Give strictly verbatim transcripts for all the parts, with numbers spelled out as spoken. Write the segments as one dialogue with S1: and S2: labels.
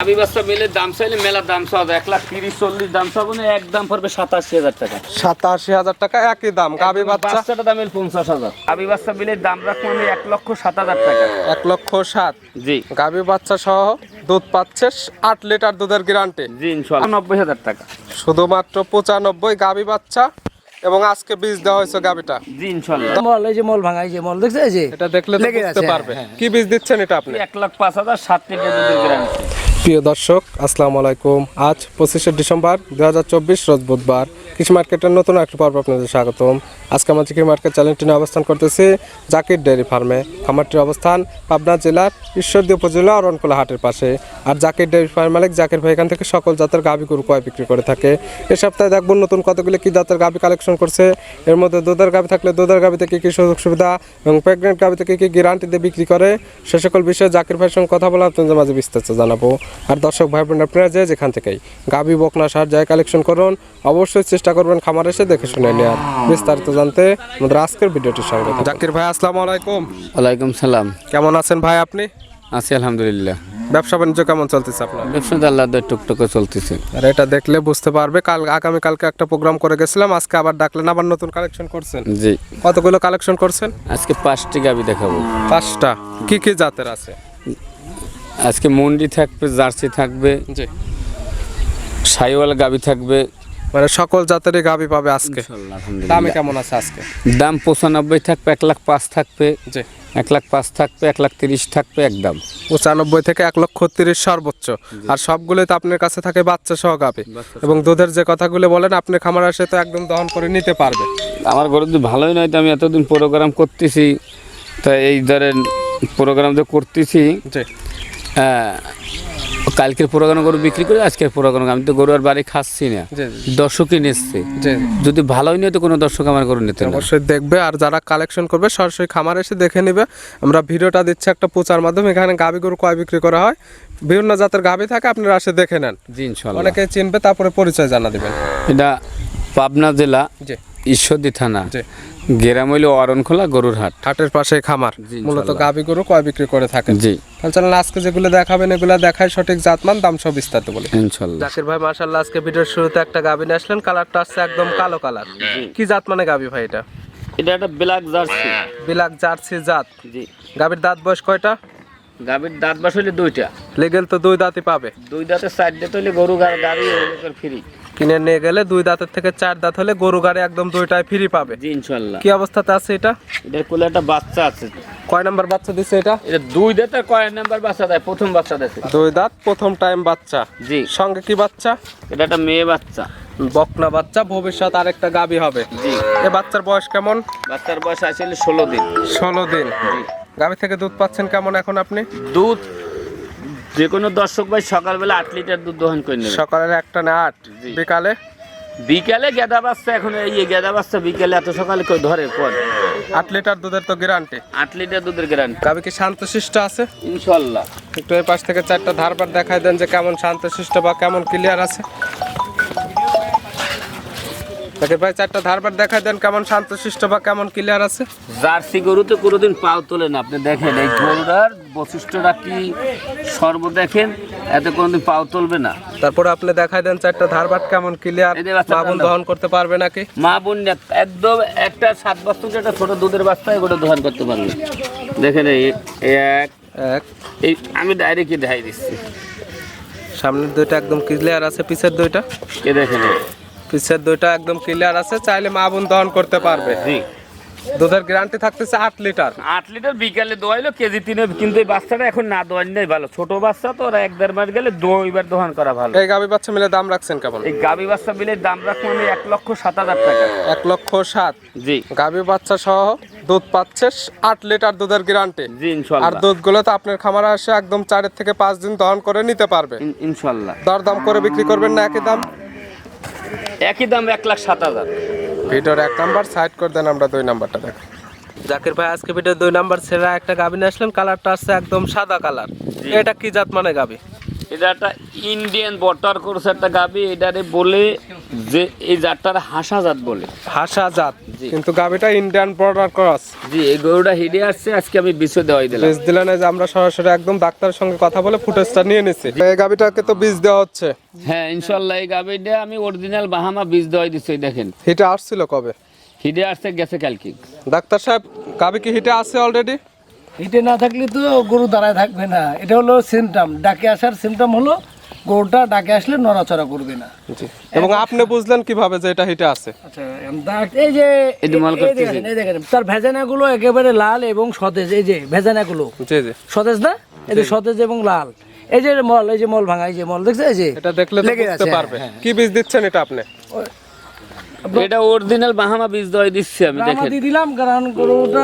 S1: গাবি বাচ্চা মিলে দাম চাইলে মেলা দাম চাওয়া এক লাখ তিরিশ চল্লিশ দাম চাবো না, একদম পড়বে সাতাশি হাজার টাকা।
S2: সাতাশি হাজার টাকা একই দাম। গাবি বাচ্চা
S1: বাচ্চাটা দাম পঞ্চাশ হাজার। গাবি বাচ্চা মিলে দাম রাখবো আমি এক লক্ষ সাত হাজার টাকা।
S2: এক লক্ষ সাত।
S1: জি।
S2: গাবি বাচ্চা সহ দুধ পাচ্ছে আট লিটার দুধের গ্যারান্টি।
S1: জি ইনশাআল্লাহ নব্বই হাজার টাকা।
S2: শুধুমাত্র পঁচানব্বই গাবি বাচ্চা এবং আজকে বীজ দেওয়া হয়েছে গাবিটা।
S1: জি ইনশাআল্লাহ।
S3: মল এই যে মল ভাঙা এই যে মল দেখছে এই যে
S2: এটা দেখলে তো বুঝতে পারবে কি বীজ দিচ্ছেন এটা আপনি।
S1: এক লাখ পাঁচ হাজার সাত লিটার দুধের গ্যারান্টি।
S2: প্রিয় দর্শক আসসালামু আলাইকুম। আজ পঁচিশে ডিসেম্বর দুই হাজার চব্বিশ রোজ বুধবার। কৃষি মার্কেটের নতুন একটি পর্ব আপনাদের স্বাগতম। আজকে আমরা কৃষি মার্কেট চ্যানেলটি নিয়ে অবস্থান করতেছি জাকির ডেয়ারি ফার্মে। খামারটির অবস্থান পাবনা জেলার ঈশ্বরদী উপজেলা অরণকুলা হাটের পাশে। আর জাকির ডেয়ারি ফার্ম মালিক জাকির ভাই এখান থেকে সকল জাতের গাভী গরু ক্রয় বিক্রি করে থাকে। এ সপ্তাহে দেখব নতুন কতগুলি কি জাতের গাভী কালেকশন করছে। এর মধ্যে দুধের গাভী থাকলে দুধের গাভীতে কী কী সুযোগ সুবিধা এবং প্রেগনেন্ট গাভীতে কী কী গ্যারান্টি দিয়ে বিক্রি করে সে সকল বিষয়ে জাকির ভাইয়ের সঙ্গে কথা বলে আপনাদের মাঝে বিস্তারিত জানাবো। আর দর্শক ভাই বোন আপনারা যে যেখান থেকেই গাভী বকনা সার যায় কালেকশন করুন, অবশ্যই চেষ্টা করবেন খামার এসে দেখে শুনে নেওয়ার। বিস্তারিত জানতে আমাদের আজকের ভিডিওটির সঙ্গে জাকির ভাই আসসালামু আলাইকুম।
S1: ওয়ালাইকুম সালাম।
S2: কেমন আছেন ভাই আপনি?
S1: আছি আলহামদুলিল্লাহ।
S2: ব্যবসা বাণিজ্য কেমন চলতেছে আপনার?
S1: ব্যবসা আল্লাহ টুকটুকে চলতেছে।
S2: আর এটা দেখলে বুঝতে পারবে কাল আগামী কালকে একটা প্রোগ্রাম করে গেছিলাম, আজকে আবার ডাকলেন, আবার নতুন কালেকশন করছেন।
S1: জি।
S2: কতগুলো কালেকশন করছেন?
S1: আজকে পাঁচটি গাভী দেখাবো।
S2: পাঁচটা। কি কি জাতের আছে?
S1: আজকে মন্ডি থাকবে, জার্সি থাকবে,
S2: জি,
S1: সাইওয়াল গাভী থাকবে,
S2: মানে সকল জাতেরই গাভী পাবে আজকে। দাম কেমন আছে আজকে?
S1: দাম পঁচানব্বই থাকবে, এক লাখ পাঁচ থাকবে,
S2: জি,
S1: এক লাখ পাঁচ থাকবে, এক লাখ তিরিশ থাকবে একদম।
S2: পঁচানব্বই থেকে এক লক্ষ তিরিশ সর্বোচ্চ। আর সবগুলোই তো আপনার কাছে থাকে বাচ্চা সহ গাভী। এবং দুধের যে কথাগুলো বলেন আপনি খামার আসে তো একদম দহন করে নিতে পারবে।
S1: আমার গরু যদি ভালোই নয় তো আমি এতদিন প্রোগ্রাম করতেছি, তা এই ধরেন প্রোগ্রাম তো করতেছি।
S2: জি।
S1: হ্যাঁ, কালকের প্রোগ্রাম গরু বিক্রি করে আজকের প্রোগ্রাম আমি তো গরু আর বাড়ি খাচ্ছি না, দর্শকই নিচ্ছে। যদি ভালোই নয় তো কোনো দর্শক আমার গরু নিতে
S2: অবশ্যই দেখবে। আর যারা কালেকশন করবে সরাসরি খামার এসে দেখে নেবে। আমরা ভিডিওটা দিচ্ছি একটা প্রচার মাধ্যমে, এখানে গাভী গরু কয় বিক্রি করা হয়, বিভিন্ন জাতের গাভী থাকে, আপনারা এসে দেখে নেন।
S1: জি ইনশাআল্লাহ।
S2: অনেকে চিনবে, তারপরে পরিচয় জানা দিবেন।
S1: এটা পাবনা জেলা
S2: জি,
S1: ঈশ্বরদী থানা,
S2: জি,
S1: গ্রাম হইল অরণখোলা গরুর হাট।
S2: হাটের পাশে খামার, মূলত গাভী গরু কয় বিক্রি করে থাকেন।
S1: জি।
S2: তাহলে আজকে যেগুলো দেখাবেন এগুলো দেখায় সঠিক জাতমান, দাম সব বিস্তারিত বলি
S1: ইনশাআল্লাহ।
S2: জাকির ভাই মাশাআল্লাহ আজকে ভিডিওর শুরুতে একটা গাভী নিয়ে আসলেন, কালারটা আসছে একদম কালো কালার। কি জাত মানে গাভী ভাই এটা?
S1: এটা একটা ব্ল্যাক জার্সি।
S2: ব্ল্যাক জার্সি জাত।
S1: জি।
S2: গাভীর দাঁত বয়স কয়টা?
S1: গাভীর দাঁত বাস হইলে দুইটা।
S2: লেগেল তো দুই দাঁতই পাবে।
S1: দুই দাঁতে চার দাঁত হইলে গরু গাড়ি ফ্রি।
S2: কিনে নিয়ে গেলে দুই দাঁতের থেকে চার দাঁত হলে গরু গাড়ি একদম দুইটাই ফ্রি পাবে।
S1: জি ইনশাআল্লাহ।
S2: কি অবস্থাতে আছে এটা?
S1: এটার কোলে একটা বাচ্চা আছে।
S2: কয় নাম্বার বাচ্চা দিছে এটা?
S1: এটা দুই দাঁতের কয় নাম্বার বাচ্চা দেয়? প্রথম বাচ্চা দেয়।
S2: দুই দাঁত প্রথম টাইম বাচ্চা।
S1: জি।
S2: সঙ্গে কি বাচ্চা?
S1: এটা একটা মেয়ে বাচ্চা,
S2: বকনা বাচ্চা, ভবিষ্যৎ আরেকটা গাভী হবে।
S1: জি।
S2: এই বাচ্চার বয়স কেমন?
S1: বাচ্চার বয়স আসলে ষোলো দিন।
S2: ষোলো দিন।
S1: জি।
S2: গাভী থেকে দুধ পাচ্ছেন কেমন এখন আপনি?
S1: দুধ যে কোনো দর্শক ভাই সকালবেলা আট লিটার দুধ দহন করে নেবে।
S2: সকালে একটা না আট, বিকালে?
S1: বিকালে গেদা বাচ্চা, এখন এই গেদা বাচ্চা বিকালে এত সকালে কেউ ধরে পর।
S2: আট লিটার দুধের তো গ্যারান্টি।
S1: আট লিটার দুধের গ্যারান্টি।
S2: গাভী কি শান্তশিষ্ট আছে?
S1: ইনশাআল্লাহ।
S2: একটু এই পাশ থেকে চারটা ধারবার দেখাই দেন যে কেমন শান্তশিষ্ট বা কেমন ক্লিয়ার আছে। ভাই চারটা ধারবার দেখাই দেন কেমন শান্তশিষ্ট বা কেমন ক্লিয়ার আছে।
S1: জার্সি গরুতে কোনোদিন পাও তোলে না। আপনি দেখেন এই গরুটার বৈশিষ্ট্যটা কি, সর্ব দেখেন, এতে কোনোদিন পাও তুলবে না।
S2: তারপরে আপনি দেখাই দেন চারটা ধারবার কেমন ক্লিয়ার, মা বোন দহন করতে পারবে নাকি?
S1: মা বোন একদম একটা সাত বছর একটা ছোট দুধের বাচ্চা এগুলো দহন করতে পারবে। দেখেন এই এক
S2: এক
S1: এই আমি ডাইরেক্টই দেখাই দিচ্ছি।
S2: সামনের দুইটা একদম ক্লিয়ার আছে, পিছের দুইটা
S1: এ দেখেন
S2: পিছের দুইটা একদম ক্লিয়ার আছে, চাইলে মা বোন দহন করতে পারবে।
S1: জি।
S2: দুধের গ্যারান্টি থাকতেছে আট লিটার।
S1: আট লিটার বিকালে দোয়াইলো কেজি তিনে, কিন্তু এই বাচ্চাটা এখন না দোয়াই ভালো, ছোট বাচ্চা তো, ওরা এক দেড় মাস গেলে দুইবার দোহান করা ভালো।
S2: এই গাভী বাচ্চা মিলে দাম রাখছেন কেমন?
S1: এই গাভী বাচ্চা মিলে দাম রাখবো আমি এক লক্ষ সাত হাজার টাকা।
S2: এক লক্ষ সাত।
S1: জি।
S2: গাভী বাচ্চা সহ দুধ পাচ্ছে আট লিটার দুধের গ্যারান্টি।
S1: জি ইনশাআল্লাহ।
S2: আর দুধগুলো তো আপনার খামারে আসে একদম চারের থেকে পাঁচ দিন দহন করে নিতে পারবে
S1: ইনশাআল্লাহ।
S2: দরদাম করে বিক্রি করবেন না একই দাম?
S1: একই দাম এক লাখ সাত হাজার।
S2: ভিডিওর এক নাম্বার সাইড করে দেন, আমরা দুই নাম্বারটা দেখো। জাকির ভাই আজকে ভিডিও দুই নাম্বার ছেড়া একটা গাভী নিয়ে আসলেন, কালারটা আসছে একদম সাদা কালার। এটা কি জাত মানে গাভী?
S1: এটা একটা ইন্ডিয়ান বর্ডার কোর্স একটা গাবি, এটারে বলে যে এই জাতটার হাসা জাত বলে।
S2: হাসা জাত,
S1: জি।
S2: কিন্তু গাবিটা ইন্ডিয়ান বর্ডার ক্রস।
S1: জি, এই গরুটা হিডে আসছে, আজকে আমি বিষয় দেওয়াই দিলাম।
S2: বীজ দিলেন, এই যে আমরা সরাসরি একদম ডাক্তারের সঙ্গে কথা বলে ফুটেজটা নিয়ে নিছি। এই গাবিটাকে তো বীজ দেওয়া হচ্ছে।
S1: হ্যাঁ ইনশাল্লাহ, এই গাবিটা আমি অরিজিনাল বাহামা বীজ দেওয়াই দিচ্ছি। দেখেন
S2: হিটে আসছিল কবে?
S1: হিডে আসছে গেছে কালকে।
S2: ডাক্তার সাহেব, গাবি কি হিটে আছে অলরেডি?
S3: হিটে না থাকলে তো গরু দাঁড়ায় থাকবে না। এটা হলো সিমটম, ডাকে আসার সিমটম হলো গরুটা ডাকে আসলে নড়াচড়া করবে না।
S2: জি। এবং আপনি বুঝলেন কিভাবে যে এটা হিটে আছে?
S3: আচ্ছা, দাগ- এই যে
S1: এই যে মাল
S3: এই
S1: করতেছে।
S3: দেখেন, এই দেখেন তার ভেজানাগুলো একেবারে লাল এবং সতেজ। এই যে ভেজানাগুলো
S2: জি জি,
S3: সতেজ না, এই যে সতেজ এবং লাল। এই যে মল, এই যে মল ভাঙা, এই যে মল দেখছে, এই যে
S2: এটা দেখলে তো
S3: লেগে
S2: বুঝতে
S3: আছে,
S2: পারবে।
S3: হ্যাঁ,
S2: কি বীজ দিচ্ছেন এটা আপনি?
S1: এটা অরিজিনাল বাহামা বীজ দেওয়াই দিচ্ছি আমি।
S3: ব্রাহ্মা
S1: দেখেন
S3: দিয়ে দিলাম, কারণ গরুটা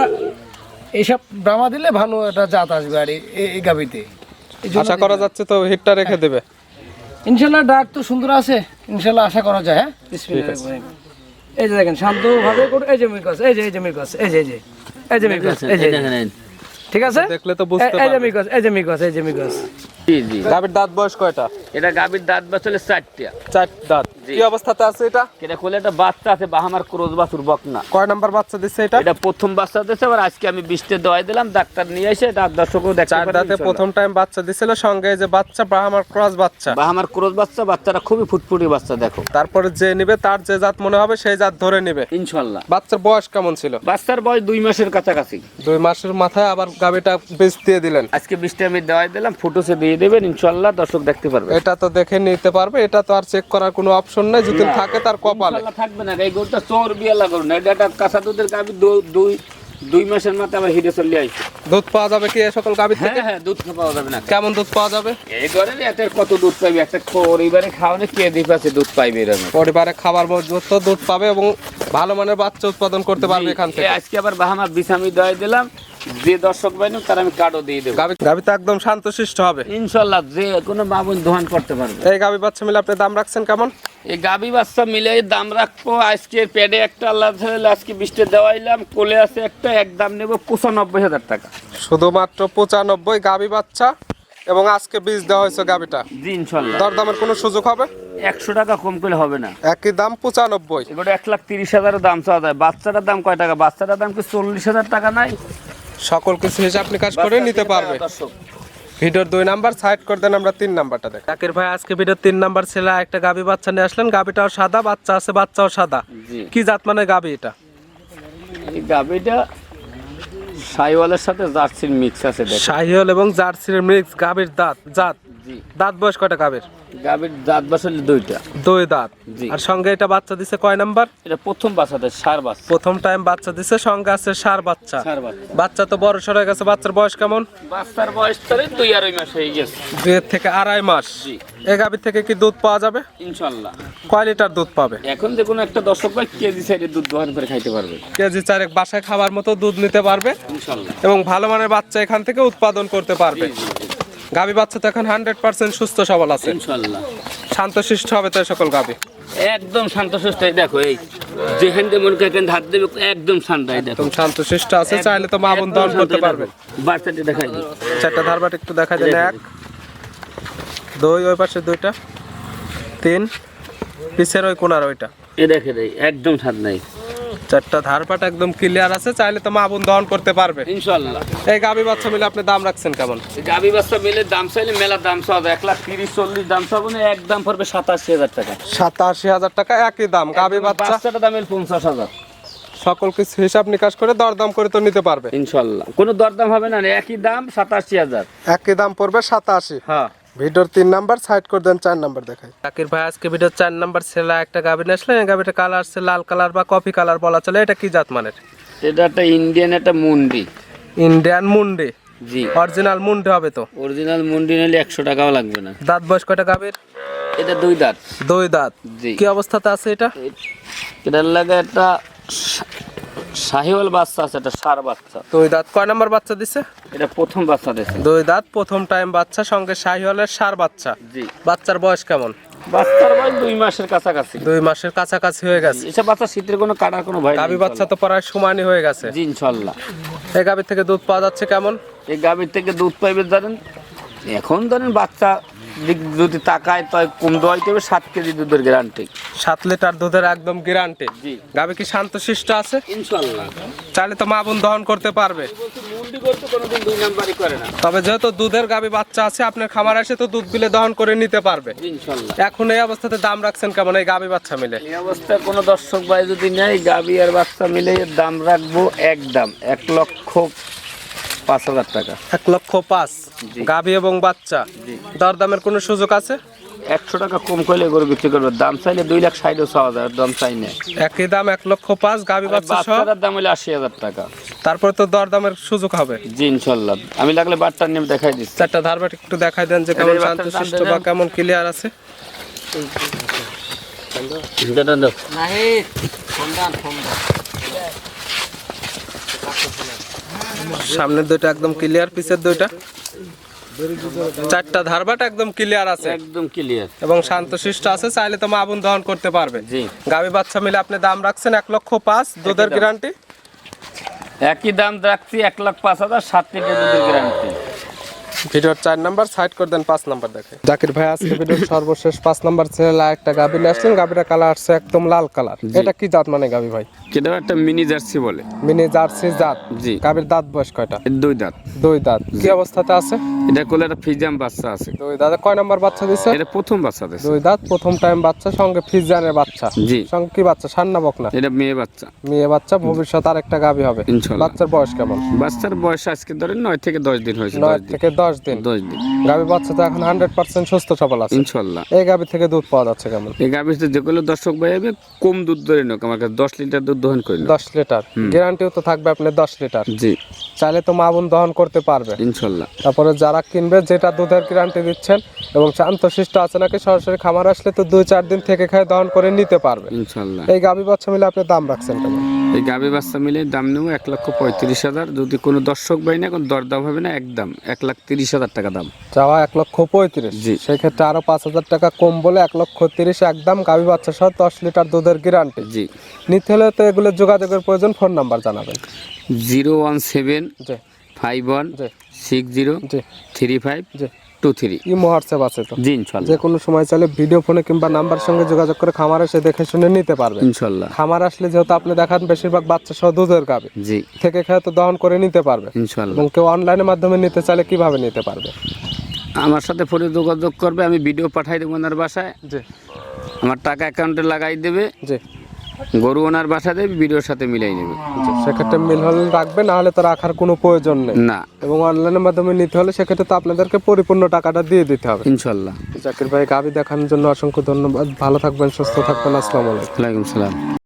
S3: এইসব ব্রাহ্মা দিলে ভালো একটা জাত আসবে আর এই- এই গাবিতে। এই জন্য
S2: আশা করা যাচ্ছে তো হিটটা রেখে দেবে।
S3: ইনশাল্লাহ ডাক তো সুন্দর আছে, ইনশাল্লাহ আশা করা যায়। হ্যাঁ, বিসমিল্লাহির রহমানির রহিম। এই যে দেখেন শান্তভাবে করে, এই যে মিরকস, এই যে এই যে মিরকস, এই যে এই যে এই যে মিরকস, এই যে ঠিক আছে,
S2: দেখলে তো বুঝতে
S3: এই- এই যে
S2: পারবে।
S3: মিরকস, এই যে মিরকস, এই যে মিরকস।
S1: জি জি,
S2: গাবির দাঁত বয়স কয়টা?
S1: এটা গাবির দাঁত বাছলে চারটা।
S2: চার দাঁত।
S1: জি।
S2: কি অবস্থাতে আছে এটা?
S1: এটা কোলে একটা বাচ্চা আছে, বাহামার ক্রোজ বাছুর বকনা।
S2: কয় নাম্বার বাচ্চা দিচ্ছে এটা?
S1: এটা প্রথম বাচ্চা দিয়েছে, আবার আজকে আমি বৃষ্টির দোয়াই দিলাম, ডাক্তার নিয়ে এসে দাঁত দর্শকও দেখতে
S2: চার
S1: পারে
S2: দাঁতে প্রথম টাইম বাচ্চা দিছিল, সঙ্গে এই যে বাচ্চা ব্রাহ্মার ক্রস বাচ্চা।
S1: বাহামার ক্রোজ বাচ্চা, বাচ্চাটা খুবই ফুটফুটি বাচ্চা। দেখো
S2: তারপরে যে নিবে তার যে জাত মনে হবে সেই জাত ধরে নিবে।
S1: ইনশাল্লাহ।
S2: বাচ্চার বয়স কেমন ছিল?
S1: বাচ্চার বয়স দুই মাসের কাছাকাছি।
S2: দুই মাসের মাথায় আবার গাবিটা বীজ দিয়ে দিলেন।
S1: আজকে বৃষ্টি আমি দেওয়াই দিলাম, ফুটোসে দিয়ে দেবেন, ইনশাল্লাহ দর্শক দেখতে পারবে।
S2: এটা তো দেখে নিতে পারবে, এটা তো আর চেক করার কোনো অপশন নাই, যদি থাকে তার কপালে।
S1: ইনশাল্লাহ থাকবে না, এই গরুটা চোর বিয়া লাগলো না, এটা একটা কাঁচা দুধের গাবি, দু- দুই দুই মাসের মাথায় আবার হিটে চলে আইছে।
S2: দুধ পাওয়া যাবে কি এই সকল গাবির থেকে?
S1: হ্যাঁ হ্যাঁ, দুধ পাওয়া যাবে না।
S2: কেমন দুধ পাওয়া যাবে?
S1: এই ঘরের এত কত দুধ পাইবে, একটা পরিবারে খাওয়ানো কে দিতে আছে দুধ পাইবে এরকম।
S2: পরিবারে খাবার মজবুত দুধ পাবে এবং ভালো মানের বাচ্চা উৎপাদন করতে পারবে এখান থেকে।
S1: এই আজকে আবার বাহামা বিছামি দেওয়াই দিলাম, যে দর্শক বাইনু তার আমি কার্ডও দিয়ে দেবো।
S2: গাবি গাবি তো একদম শান্তশিষ্ট হবে।
S1: ইনশাল্লাহ যে কোনো বাবুন দোহান করতে পারবে।
S2: এই গাবি বাচ্চা মিলে আপনি দাম রাখছেন কেমন?
S1: এই গাবি বাচ্চা মিলে দাম রাখবো আজকে পেডে একটা আল্লাহ তাআলা আজকে বৃষ্টি দেওয়াইলাম, কোলে আছে একটা, এক দাম নেব পঁচানব্বই হাজার টাকা।
S2: শুধুমাত্র পঁচানব্বই গাবি বাচ্চা, এবং আজকে বীজ দেওয়া হয়েছে গাবিটা।
S1: জি ইনশাল্লাহ।
S2: দরদামের কোনো সুযোগ হবে?
S1: একশো টাকা কম করলে হবে না।
S2: একই দাম পঁচানব্বই।
S1: এগুলো এক লাখ তিরিশ হাজারের দাম চাওয়া যায়। বাচ্চাটার দাম কয় টাকা? বাচ্চাটার দাম কি চল্লিশ হাজার টাকা নাই?
S2: সকল কিছু হিসাব নিকাশ করে নিতে পারবে।
S1: দর্শক
S2: ভিডিওর দুই নাম্বার সাইড করে দেন, আমরা তিন নাম্বারটা দেখ। জাকির ভাই আজকে ভিডিওর তিন নাম্বার ছেলে একটা গাবি বাচ্চা নিয়ে আসলেন। গাবিটাও সাদা, বাচ্চা আছে, বাচ্চাও সাদা।
S1: জি,
S2: কি জাত মানে গাবি এটা?
S1: এই গাবিটা সাইওয়ালের সাথে জার্সির মিক্স আছে। দেখ
S2: শাহিওল এবং জার্সির মিক্স। গাবির দাঁত জাত
S1: জি,
S2: দাঁত বয়স কয়টা গাবির?
S1: গাবির দাঁত বাসলে দুইটা।
S2: দুই দাঁত।
S1: জি।
S2: আর সঙ্গে এটা বাচ্চা দিছে কয় নাম্বার?
S1: এটা প্রথম বাচ্চাতে সার বাচ্চা।
S2: প্রথম টাইম বাচ্চা দিছে, সঙ্গে আছে সার বাচ্চা।
S1: সার বাচ্চা।
S2: বাচ্চা তো বড় সর হয়ে গেছে। বাচ্চার বয়স কেমন?
S1: বাচ্চার বয়স ধরে দুই আড়াই মাস হয়ে গেছে।
S2: দুই থেকে আড়াই মাস।
S1: জি
S2: এই গাবির থেকে কি দুধ পাওয়া যাবে?
S1: ইনশাল্লাহ।
S2: কয় লিটার দুধ পাবে?
S1: এখন যে কোনো একটা দর্শক ভাই কেজি সাইডে দুধ দোকান করে খাইতে পারবে
S2: কেজি চারেক বাসায় খাবার মতো দুধ নিতে পারবে
S1: ইনশাল্লাহ।
S2: এবং ভালো মানের বাচ্চা এখান থেকে উৎপাদন করতে পারবে।
S1: জি, জি, জি,
S2: গাবি বাচ্চা তো এখন হান্ড্রেড পার্সেন্ট সুস্থ সবল আছে।
S1: ইনশাল্লাহ।
S2: শান্তশিষ্ট হবে তো এই সকল গাবি।
S1: একদম শান্তশিষ্ট। এই দেখো, এই যেখান থেকে মনে করেন হাত দেবে একদম ঠান্ডা। এই দেখো
S2: একদম শান্তশিষ্ট আছে, চাইলে তো মা বোন দহন করতে পারবে।
S1: বাচ্চাটি দেখাই দিই।
S2: চারটা ধারবাট একটু দেখা যায়। এক, দুই, ওই পাশে দুইটা, তিন, পিছের ওই কোনার ওইটা।
S1: এ দেখে দেই একদম স্বাদ নাই।
S2: চারটা ধারপাট একদম ক্লিয়ার আছে, চাইলে তো মা বোন দহন করতে পারবে
S1: ইনশাল্লাহ।
S2: এই গাবি বাচ্চা মিলে আপনি দাম রাখছেন কেমন?
S1: গাবি বাচ্চা মিলে দাম চাইলে মেলা দাম চাওয়া এক লাখ তিরিশ চল্লিশ দাম চাবো না, এক দাম পড়বে সাতাশি হাজার টাকা।
S2: সাতাশি হাজার টাকা একই দাম। গাবি বাচ্চা
S1: বাচ্চাটা দামের পঞ্চাশ হাজার।
S2: সকল কিছু হিসাব নিকাশ করে দরদাম করে তো নিতে পারবে
S1: ইনশাল্লাহ কোনো দরদাম হবে না, একই দাম সাতাশি হাজার।
S2: একই দাম পড়বে সাতাশি।
S1: হ্যাঁ
S2: ভিডিওর তিন নাম্বার সাইড করে দেন, চার নাম্বার দেখাই। জাকির ভাই আজকে ভিডিওর চার নাম্বার ছেলে একটা গাবি নিয়ে আসলেন। এই গাবিটা কালার আছে লাল কালার বা কফি কালার বলা চলে। এটা কি জাত মানের?
S1: এটা একটা ইন্ডিয়ান একটা মুন্ডি।
S2: ইন্ডিয়ান মুন্ডি।
S1: জি
S2: অরিজিনাল মুন্ডি হবে তো?
S1: অরিজিনাল মুন্ডি নিলে একশো টাকাও লাগবে না।
S2: দাঁত বয়স কয়টা গাবির?
S1: এটা দুই দাঁত।
S2: দুই দাঁত।
S1: জি।
S2: কি অবস্থাতে আছে এটা?
S1: এটার লাগে একটা শাহিওয়াল বাচ্চা আছে, একটা সার বাচ্চা।
S2: দুই দাঁত। কয় নাম্বার বাচ্চা দিছে?
S1: এটা প্রথম বাচ্চা দিয়েছে।
S2: দুই দাঁত প্রথম টাইম বাচ্চা, সঙ্গে শাহিওয়ালের সার বাচ্চা।
S1: জি।
S2: বাচ্চার বয়স কেমন?
S1: বাচ্চার বয়স দুই মাসের কাছাকাছি।
S2: দুই মাসের কাছাকাছি হয়ে গেছে।
S1: এসব বাচ্চা শীতের কোনো কাটার কোনো ভয় নেই।
S2: গাবি বাচ্চা তো প্রায় সমানই হয়ে গেছে।
S1: জি ইনশাল্লাহ।
S2: এই গাবির থেকে দুধ পাওয়া যাচ্ছে কেমন?
S1: এই গাভীর থেকে দুধ পাইবে ধরেন, এখন ধরেন বাচ্চা দিক যদি তাকায় তাই কম দোয়াইতে হবে, সাত কেজি দুধের গ্যারান্টি।
S2: সাত লিটার দুধের একদম গ্যারান্টি।
S1: জি।
S2: গাভী কি শান্তশিষ্ট আছে?
S1: ইনশাআল্লাহ।
S2: চাইলে তো মা বোন দহন করতে পারবে।
S1: মুন্ডি করতে কোনোদিন দুই নাম্বারই করে না।
S2: তবে যেহেতু দুধের গাভী বাচ্চা আছে, আপনার খামার এসে তো দুধ বিলে দহন করে নিতে পারবে
S1: ইনশাআল্লাহ।
S2: এখন এই অবস্থাতে দাম রাখছেন কেমন এই গাভী বাচ্চা মিলে?
S1: এই অবস্থায় কোনো দর্শক ভাই যদি নেয়, গাভী আর বাচ্চা মিলে এর দাম রাখবো একদম এক লক্ষ পাঁচ হাজার টাকা।
S2: এক লক্ষ পাঁচ।
S1: জি।
S2: গাভী এবং বাচ্চা,
S1: জি।
S2: দরদামের কোনো সুযোগ আছে?
S1: একশো টাকা কম করলে গরু বিক্রি করবে। দাম চাইলে দুই লাখ ষাট ছ হাজার, দাম চাই না।
S2: একই দাম এক লক্ষ পাঁচ, গাভী বাচ্চা সহ।
S1: বাচ্চার দাম হলে আশি হাজার টাকা।
S2: তারপরে তো দরদামের সুযোগ হবে।
S1: জি ইনশাল্লাহ। আমি লাগলে বাটটার নেমে দেখাই দিচ্ছি।
S2: চারটা ধারবাট একটু দেখাই দেন যে কেমন
S1: এই বাচ্চার
S2: শান্তশিষ্ট
S1: দাম
S2: বা
S1: দেন।
S2: কেমন ক্লিয়ার আছে। সামনের দুইটা একদম ক্লিয়ার, পিছের দুইটা চারটা ধারবাট একদম ক্লিয়ার আছে
S1: একদম ক্লিয়ার
S2: এবং শান্তশিষ্ট আছে। চাইলে তো মা বোন দহন করতে পারবে।
S1: জি।
S2: গাভী বাচ্চা মিলে আপনি দাম রাখছেন এক লক্ষ পাঁচ, দুধের
S1: দাম।
S2: গ্যারান্টি।
S1: একই দাম রাখছি এক লাখ পাঁচ হাজার, সাত লিটার দুধের গ্যারান্টি।
S2: ভিডিওর চার নাম্বার সাইড করে দেন, পাঁচ নাম্বার দেখে। জাকির ভাই আজকে ভিডিওর সর্বশেষ পাঁচ নাম্বার ছেলে একটা গাভী নিয়ে আসলেন। গাভীটা কালার আসছে একদম লাল কালার। এটা কি জাত মানে গাভী ভাই?
S1: কেটে একটা মিনি জার্সি বলে।
S2: মিনি জার্সি জাত।
S1: জি।
S2: গাভীর দাঁত বয়স কয়টা?
S1: এর দুই দাঁত।
S2: দুই দাঁত। কি অবস্থাতে আছে?
S1: এটা কোলে একটা ফিজাম বাচ্চা আছে।
S2: দুই দাঁতে কয় নাম্বার বাচ্চা দিছে?
S1: এটা প্রথম বাচ্চা দিছে।
S2: দুই দাঁত, প্রথম টাইম বাচ্চা, সঙ্গে ফিজানের বাচ্চা।
S1: জি।
S2: সঙ্গে কি বাচ্চা? সান্না বকনা?
S1: এটা মেয়ে বাচ্চা।
S2: মেয়ে বাচ্চা, ভবিষ্যৎ আর একটা গাভী হবে
S1: ইনশাআল্লাহ।
S2: বাচ্চার বয়স কেমন?
S1: বাচ্চার বয়স আজকে ধরেন নয় থেকে দশ দিন হয়েছে।
S2: নয়
S1: দশ দিন।
S2: থেকে দশ দিন।
S1: দশ দিন।
S2: গাভী বাচ্চা তো এখন হান্ড্রেড পার্সেন্ট সুস্থ সবল আছে।
S1: ইনশাআল্লাহ।
S2: এই গাভী থেকে দুধ পাওয়া যাচ্ছে কেমন?
S1: এই গাভীতে যেগুলো দর্শক ভাই হবে কম দুধ ধরে নোক, আমার কাছে দশ লিটার দুধ দহন করে নোক।
S2: দশ লিটার গ্যারান্টিও তো থাকবে আপনার দশ লিটার।
S1: জি
S2: চাইলে তো মা বোন দহন করতে পারবে
S1: ইনশাআল্লাহ।
S2: তারপরে যারা কিনবে, যেটা দুধের গ্যারান্টি দিচ্ছেন এবং শান্তশিষ্ট আছে নাকি, সরাসরি খামার আসলে তো দুই চার দিন থেকে খায় দহন করে নিতে পারবে
S1: ইনশাআল্লাহ।
S2: এই গাভী বাচ্চা মিলে আপনি দাম রাখছেন কেমন?
S1: এই গাভী বাচ্চা মিলে দাম নেবো এক লক্ষ পঁয়ত্রিশ হাজার। যদি কোনো দর্শক ভাই না, কোনো দরদাম হবে না, একদম এক লাখ তিরিশ হাজার টাকা দাম
S2: চাওয়া এক লক্ষ পঁয়ত্রিশ।
S1: জি।
S2: সেই ক্ষেত্রে আরো পাঁচ হাজার টাকা কম বলে এক লক্ষ তিরিশ একদম। গাভী বাচ্চা সহ দশ লিটার দুধের গ্যারান্টি।
S1: জি।
S2: নিতে হলে তো এগুলো যোগাযোগের প্রয়োজন। ফোন নাম্বার জানাবেন।
S1: জিরো ওয়ান সেভেন
S2: জি
S1: ফাইভ ওয়ান
S2: জি
S1: সিক্স জিরো
S2: জি
S1: থ্রি ফাইভ
S2: জি।
S1: Two three.
S2: ইমো হোয়াটসঅ্যাপ আছে তো?
S1: জি ইনশাআল্লাহ।
S2: যে কোনো সময় চাইলে ভিডিও ফোনে কিংবা নাম্বার সঙ্গে যোগাযোগ করে খামার এসে দেখে শুনে নিতে পারবে
S1: ইনশাআল্লাহ।
S2: খামার আসলে যেহেতু আপনি দেখান বেশিরভাগ বাচ্চা সহ দুধের গাভী
S1: জি
S2: থেকে খেয়ে তো দহন করে নিতে পারবে
S1: ইনশাআল্লাহ।
S2: এবং কেউ অনলাইনের মাধ্যমে নিতে চাইলে কিভাবে নিতে পারবে?
S1: আমার সাথে ফোনে যোগাযোগ করবে, আমি ভিডিও পাঠাই দেবো ওনার বাসায়।
S2: জি
S1: আমার টাকা অ্যাকাউন্টে লাগাই দেবে,
S2: জি
S1: গরু ওনার বাসা দেবে, ভিডিওর সাথে মিলাই নেবে।
S2: জি। সেক্ষেত্রে মিল হলে রাখবে, না হলে তো রাখার কোনো প্রয়োজন নেই।
S1: না
S2: এবং অনলাইনের মাধ্যমে নিতে হলে সেক্ষেত্রে তো আপনাদেরকে পরিপূর্ণ টাকাটা দিয়ে দিতে হবে।
S1: ইনশাআল্লাহ।
S2: জাকির ভাই গাভী দেখানোর জন্য অসংখ্য ধন্যবাদ। ভালো থাকবেন, সুস্থ থাকবেন। আসসালামু আলাইকুম।
S1: ওয়ালাইকুম সালাম।